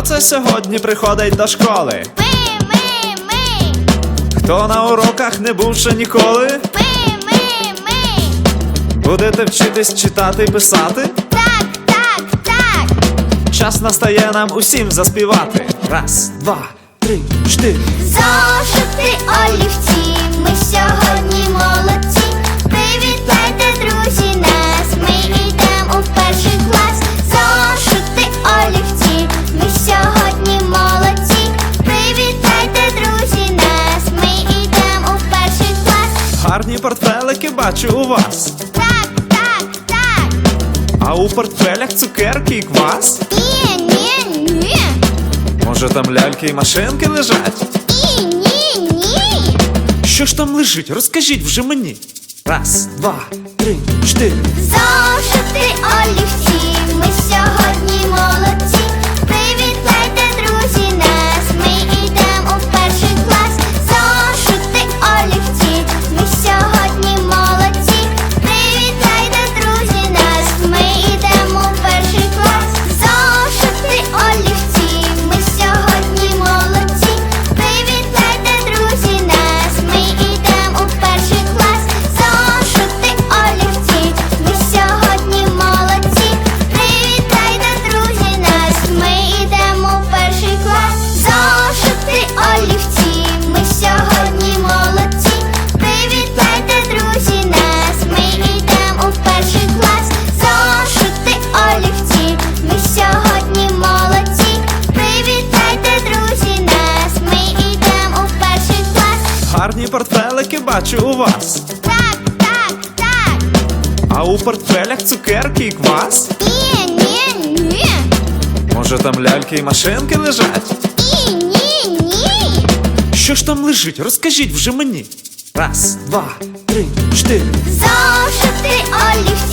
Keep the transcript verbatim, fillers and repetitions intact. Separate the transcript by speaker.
Speaker 1: це сьогодні приходить до школи?
Speaker 2: Ми, ми, ми.
Speaker 1: Хто на уроках не був ще ніколи?
Speaker 2: Ми, ми, ми.
Speaker 1: Будете вчитись читати і писати?
Speaker 2: Так, так, так.
Speaker 1: Час настає нам усім заспівати. Раз, два, три, чотири.
Speaker 2: Зошити, олівці, ми сьогодні молодці. Привітайте, друзі, нас, ми йдемо в перший клас. Зошити, олівці, ми сьогодні молодці. Привітайте, друзі, нас, ми йдемо в перший клас.
Speaker 1: Гарні портфелики бачу у вас.
Speaker 2: Так, так, так.
Speaker 1: А у портфелях цукерки і квас?
Speaker 2: Ні, ні, ні.
Speaker 1: Може там ляльки і машинки лежать?
Speaker 2: Ні, ні, ні.
Speaker 1: Що ж там лежить? Розкажіть вже мені. Раз, два, три, чотири.
Speaker 2: Зошити, олівці, ми сьогодні молодці. Привітайте, друзі, нас, ми йдемо в перший клас. Зошити, олівці, ми сьогодні молодці. Привітайте, друзі, нас, ми йдемо в перший клас. Зошити, олівці, ми сьогодні молодці. Привітайте, друзі, нас, ми йдемо в перший клас. Зошити, олівці, ми сьогодні молодці. Привітайте, друзі, нас, ми йдемо в перший клас. Зошити, олівці, ми сьогодні молодці. Привітайте, друзі, нас, ми йдемо в перший клас. Зошити, олівці, ми сьогодні молодці. Привітайте, друзі, нас, ми йдемо в перший клас.
Speaker 1: Гарні портфелики бачу у вас.
Speaker 2: Так, так, так.
Speaker 1: А у портфелях цукерки і квас?
Speaker 2: Ні, ні, ні.
Speaker 1: Може там ляльки і машинки лежать?
Speaker 2: Ні, ні, ні.
Speaker 1: Що ж там лежить? Розкажіть вже мені. Раз, два, три, чотири.
Speaker 2: Зошити, олівці,